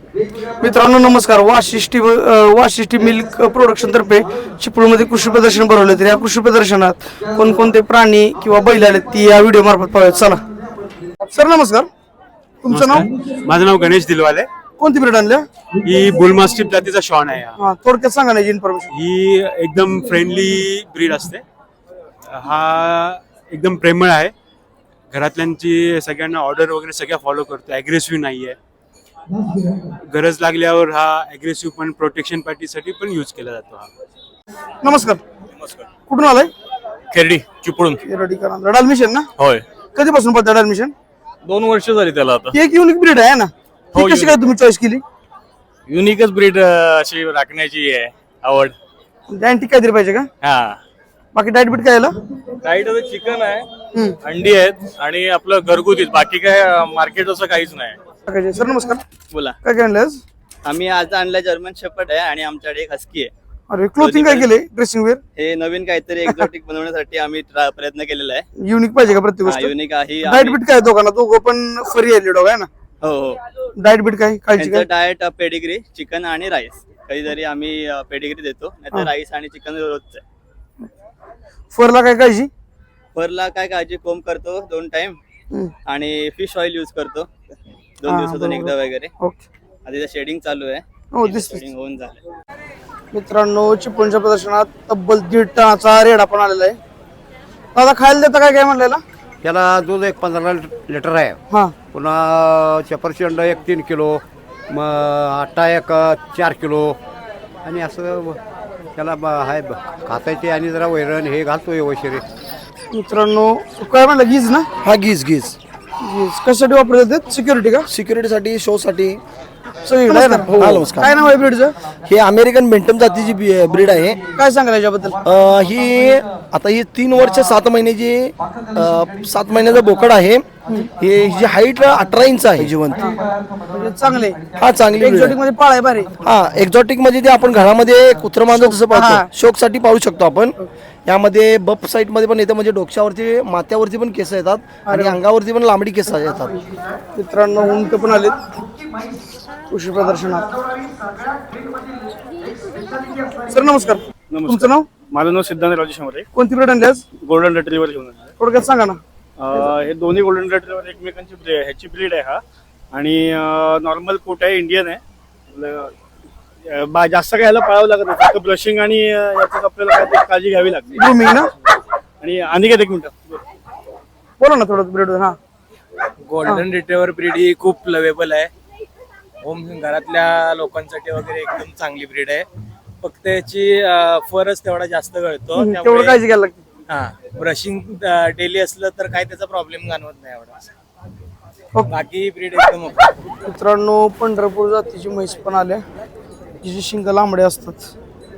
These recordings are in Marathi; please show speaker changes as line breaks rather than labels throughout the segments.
मित्रांनो नमस्कार. वाशिष्ठी मिल्क प्रोडक्शन तर्फे चिपळूणमध्ये कृषी प्रदर्शन भरवले. तर या कृषी प्रदर्शनात कोणकोणते प्राणी किंवा बैल आले ती या व्हिडिओ मार्फत पाहूयात. चला सर नमस्कार. तुमचं नाव?
माझं नाव गणेश दिलवाले.
कोणती ब्रीड आणल्या?
ही बुल मास्टिफ जातीचा शॉन आहे.
हा थोडक्यात सांगा ना इन्फॉर्मेशन.
ही एकदम फ्रेंडली ब्रीड असते. हा एकदम प्रेमळ आहे. घरातल्यांची सगळ्यांना ऑर्डर वगैरे सगळ्या फॉलो करतो. ॲग्रेसिव्ह नाही आहे. गरज लागल्यावर हा ॲग्रेसिव्ह पण प्रोटेक्शन पार्टीसाठी पण यूज केला जातो. हा
नमस्कार. कुठून आलाय?
खेरडी चिपळूण.
ऍडमिशन ना?
होय,
कधीपासून पडतात ऍडमिशन?
2 वर्ष झाली त्याला आता.
एक युनिक ब्रीड आहे ना?
हो,
ती कशी काय तुम्ही चॉईस केली?
युनिकच ब्रीड अशी राखण्याची आहे आवड.
अँटिक काहीतरी पाहिजे का?
हा.
बाकी डाएट बीट काय याला?
डाईट आता चिकन आहे, अंडी आहेत आणि आपलं घरगुतीच, बाकी काय मार्केट असं काहीच नाही.
सर नमस्कार.
बोला.
काय काय आणलं आज?
आम्ही आज आणलं जर्मन शेपर्ड आहे आणि आमच्याकडे एक हस्की आहे.
अरे क्लोथिंग काय केले? ड्रेसिंग वेअर
हे नवीन काहीतरी एक्झॉटिक बनवण्यासाठी आम्ही प्रयत्न केलेला आहे.
युनिक पाहिजे का प्रत्येक गोष्ट?
युनिक आहे.
डाएट बीट काय दोघांना? दोघं पण फरी आले डॉग आहे ना?
हो हो.
डाएट बीट काय काळजी काय?
त्यांचं डाएट पेडिग्री, चिकन आणि राईस. कधीतरी आम्ही पेडिग्री देतो, नाहीतर राईस आणि चिकन रोजचं आहे.
फरला काय काळजी?
फरला काय काळजी, कोंब करतो 2 टाइम आणि फिश ऑइल यूज करतो 2 दिवसातून एकदा वगैरे.
ओके.
आधी शेडिंग चालू आहे.
हो दिसते.
शेडिंग होऊन झालं.
मित्रांनो चिपळूणच्या प्रदर्शनात तब्बल 1.5 टनाचा रेडा पण आलेला आहे. दादा खायला देता काय काय म्हणलेला?
त्याला दूध एक 15 लिटर आहे.
हा
पुन्हा सफरचंद एक 3 किलो, मग आटा एक 4 किलो आणि असं त्याला आहे खातायचे आणि जरा वैरण हे घालतोय वैशिरे.
मित्रांनो काय म्हणलं? गीज ना?
हा गीज
गीज कशासाठी वापरतात? सिक्युरिटी का?
सिक्युरिटीसाठी, शो साठी
सगळीकडे आहे ना?
हा, नमस्कार.
काय नाव आहे ब्रीडचं?
हे अमेरिकन बेंटम जातीची ब्रीड आहे.
काय सांगाल याच्याबद्दल?
ही आता ही 3 वर्ष 7 महिन्याची 7 महिन्याचा बोकड आहे. हे हिची हाईट 18 इंच आहे जिवंत.
म्हणजे चांगले.
हा चांगली breed
एक्झॉटिक
आहे.
मध्ये पाळाय भारी.
हा एक्झॉटिक म्हणजे ते आपण घरामध्ये कुत्र मांजर जसं
हा.
पाहतो शोक साठी पाळू शकतो आपण. यामध्ये बप साईड मध्ये पण येतं, म्हणजे डोक्यावरती माथ्यावरती पण केस येतात आणि अंगावरती पण लांबडी केस येतात.
मित्रांनो उंट पण आलेत कृषी प्रदर्शनात. सर नमस्कार. तुमचं नाव?
माझं नाव सिद्धांत राजू शंभरे.
कोणती ब्रीड आणली आज?
गोल्डन रिट्रीव्हर घेऊन आलो.
थोडक्यात सांगा ना.
हे दोन्ही गोल्डन रिट्रीव्हर एकमेकांची ह्याची ब्रीड आहे हा. आणि नॉर्मल कोट आहे, इंडियन आहे. जास्त काय ह्याला पाळावं लागत नाही, फक्त ब्रशिंग आणि याच्यात आपल्याला काय काळजी घ्यावी लागते.
ग्रूमिंग ना?
आणि अनिकेत एक मिनिट
बोला ना थोडं ब्रीड. हा
गोल्डन रिट्रीव्हर ब्रीड ही खूप लवेबल आहे. होम घरातल्या लोकांसाठी वगैरे एकदम चांगली ब्रीड आहे. फक्त याची फरच तेवढा जास्त गळतो.
तेवढं काळजी घ्यायला लागते.
हा ब्रशिंग डेली असलं तर काय त्याचा प्रॉब्लेम जाणवत नाही एवढा. बाकी ब्रीड एकदम ओके.
मित्रांनो पंढरपूर जातीची म्हैस पण आल्या, जिची शिंग लांबडे असतात.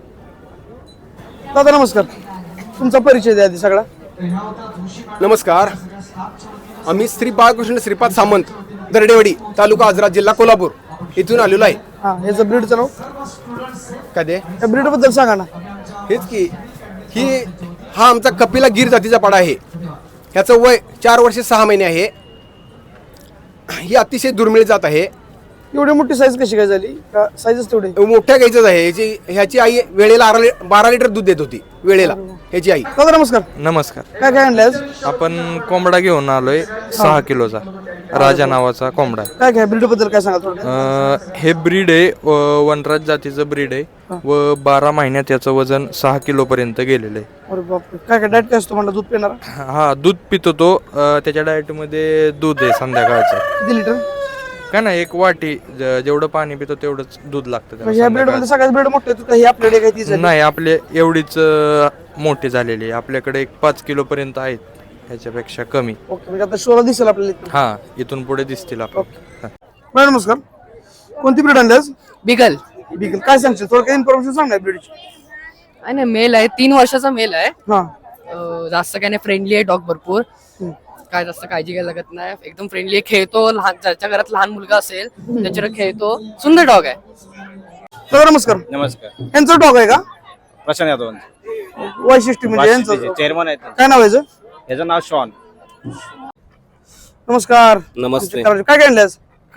दादा नमस्कार. तुमचा परिचय द्या आधी सगळा.
नमस्कार. आम्ही श्री बाळकृष्ण श्रीपाद सामंत, दरडेवाडी, तालुका आजरा, जिल्हा कोल्हापूर इथून आलेलो आहे.
हा ह्याचं ब्रीडचं नाव
काय ते?
त्या ब्रीड बद्दल सांगा ना.
हेच की हा आमचा कपिला गिर जातीचा पाडा आहे. ह्याचं वय 4 वर्ष 6 महिने आहे. ही अतिशय दुर्मिळ जात आहे.
एवढी मोठी साईज कशी काय झाली? का साईजच तेवढी?
मोठ्या गाईचंच आहे. ह्याची आई वेळेला 12 लिटर दूध देत होती वेळेला ह्याची आई.
दादा नमस्कार.
नमस्कार.
काय काय आणलं आज?
आपण कोंबडा घेऊन आलोय 6 किलोचा, राजा नावाचा कोंबडा.
काय काय ब्रीड बद्दल काय सांगा थोडं?
हे ब्रीड आहे, वनराज जातीचं ब्रीड आहे व 12 महिन्यात याचं वजन 6 किलो पर्यंत गेलेलं आहे.
अरे बापरे. काय काय डाएट काय असतो म्हणलं? दूध पिणार?
हा दूध पितो तो. त्याच्या डाएट मध्ये दूध आहे संध्याकाळचं.
किती लिटर?
काय ना 1 वाटी, जेवढं पाणी पितो तेवढंच दूध लागतं त्याला
म्हणजे ह्या ब्रीड मध्ये
संध्याकाळचं.
सगळ्यात ब्रीड मोठे आहेत का? ही आपल्याकडे काय ती झाली?
नाही, आपले एवढीच मोठी झालेली आहे. आपल्याकडे 5 किलो पर्यंत आहेत, ह्याच्यापेक्षा कमी.
ओके. म्हणजे आता शोला दिसेल आपल्याला.
हा इथून पुढे दिसतील आपण.
बरं नमस्कार. कोणती ब्रीड आणली आज?
बिगल.
बिगल. काय सांगशील? थोडं काही इन्फॉर्मेशन सांग ना ब्रीडची.
आणि मेल आहे, 3 वर्षाचा मेल आहे.
हा
जास्त काय नाही, फ्रेंडली आहे डॉग भरपूर. काय जास्त काळजी घ्यायला लागत नाही, एकदम फ्रेंडली आहे. खेळतो, लहान ज्याच्या घरात लहान मुलगा असेल त्याच्यावर खेळतो. सुंदर डॉग आहे.
दादा नमस्कार.
नमस्कार.
यांचं डॉग आहे का?
प्रशांत यादव
वैशिष्ट्य म्हणजे यांचं
चेअरमन आहेत.
काय नाव आहे याचं?
याचं नाव शॉन.
नमस्कार.
नमस्ते.
काय काय आणलं आज?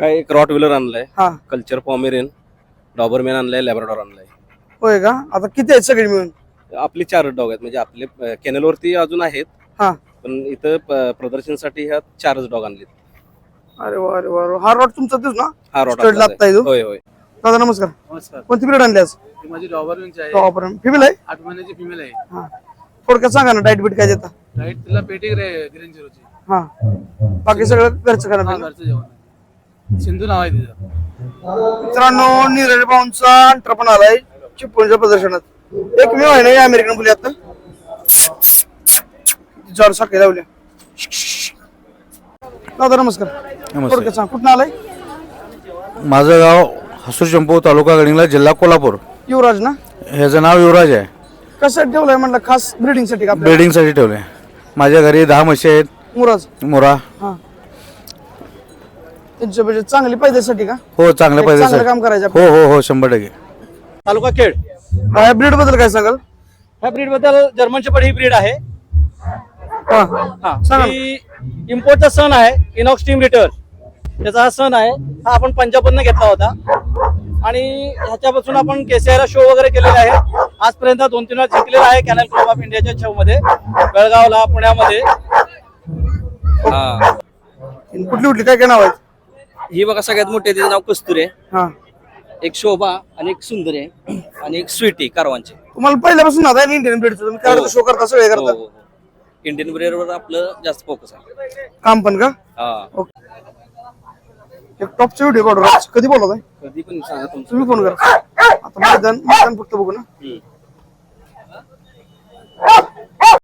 काय एक रॉट व्हीलर आणलाय,
हा
कल्चर पॉमेरियन, डॉबरमॅन आणलाय, लॅब्राडॉर आणलाय.
होय का? आता किती आहेत सगळे मिळून?
आपले 4 डॉग आहेत, म्हणजे आपले कॅनलवरती अजून आहेत,
हा
पण इथं प्रदर्शनासाठी ह्या 4च डॉग आणलेत.
अरे वा अरे वा. हा रॉड तुमचा तेच ना?
हा रॉट
Stud लागताय
आपलाच
तो?
आहे. होय होय.
दादा नमस्कार.
नमस्कार.
कोणती ब्रीड आणली आज?
माझी डॉबरमॅनची आहे,
टॉपर फिमेल आहे?
8 महिन्याची फिमेल आहे.
हा थोडक्यात सांगा ना डाएट बीट काय देता?
राईट तिला पेटी ग्रीन झिरोची.
हा बाकी सगळं घरचं खाणं पिणं.
घरचं जेवण आहे. सिंधू नाव आहे तिचं.
मित्रांनो नीरज भाऊंचा अंटर पण आलाय चिपळूणच्या प्रदर्शनात. एक मी आहे ना अमेरिकन बोली आता जर साखळी लावल्या. दादा नमस्कार. थोडक्यात सांग कुठं आलाय?
माझं गाव हसूर चंपू, तालुका गडिंगला, जिल्हा कोल्हापूर.
युवराज ना?
ह्याचं नाव युवराज आहे.
कशासाठी ठेवलंय म्हणलं? खास ब्रिडिंग साठी का?
ब्रिडिंगसाठी ठेवले. माझ्या घरी 10 म्हशी आहेत.
मुराज
मोरा.
हा त्यांच्या म्हणजे चांगली पाहिजेसाठी का?
हो चांगल्या पाहिजे
चांगलं काम करायचं.
हो हो हो 100%.
तालुका खेड.
ह्या ब्रीड बद्दल काय सांगाल?
ह्या ब्रीड बद्दल जर्मन शेपर्ड ही ब्रीड आहे.
हा सांगा ना.
ही इम्पोर्टचा सण आहे, इनॉक्स टीम रिटर. त्याचा हा सण आहे. हा आपण पंजाबमधनं घेतला होता आणि ह्याच्यापासून आपण केसीआयला शो वगैरे केलेले आहे. आजपर्यंत 2-3 वेळा जिंकलेला आहे कॅनल क्लब ऑफ इंडियाच्या शो मध्ये, बेळगावला, पुण्यामध्ये.
कुठली कुठली काय काय नाव आहेत?
ही बघा सगळ्यात मोठी, तिचं नाव कस्तुरी आहे.
हा
एक शोभा आणि एक सुंदर आहे आणि एक स्वीटी कारवांची.
तुम्हाला पहिल्यापासून नाद आहे इंडियन ब्रीडचं? तुम्ही काय शो करता? सगळे करता?
इंडियन ब्रीडवर आपलं जास्त फोकस आहे.
काम पण का?
हा.
एक टॉपचा व्हिडिओ काढू. कधी बोलत आहे?
कधी पण सांगा तुमचं.
तुम्ही फोन करा. आता मैदान फक्त बघू ना.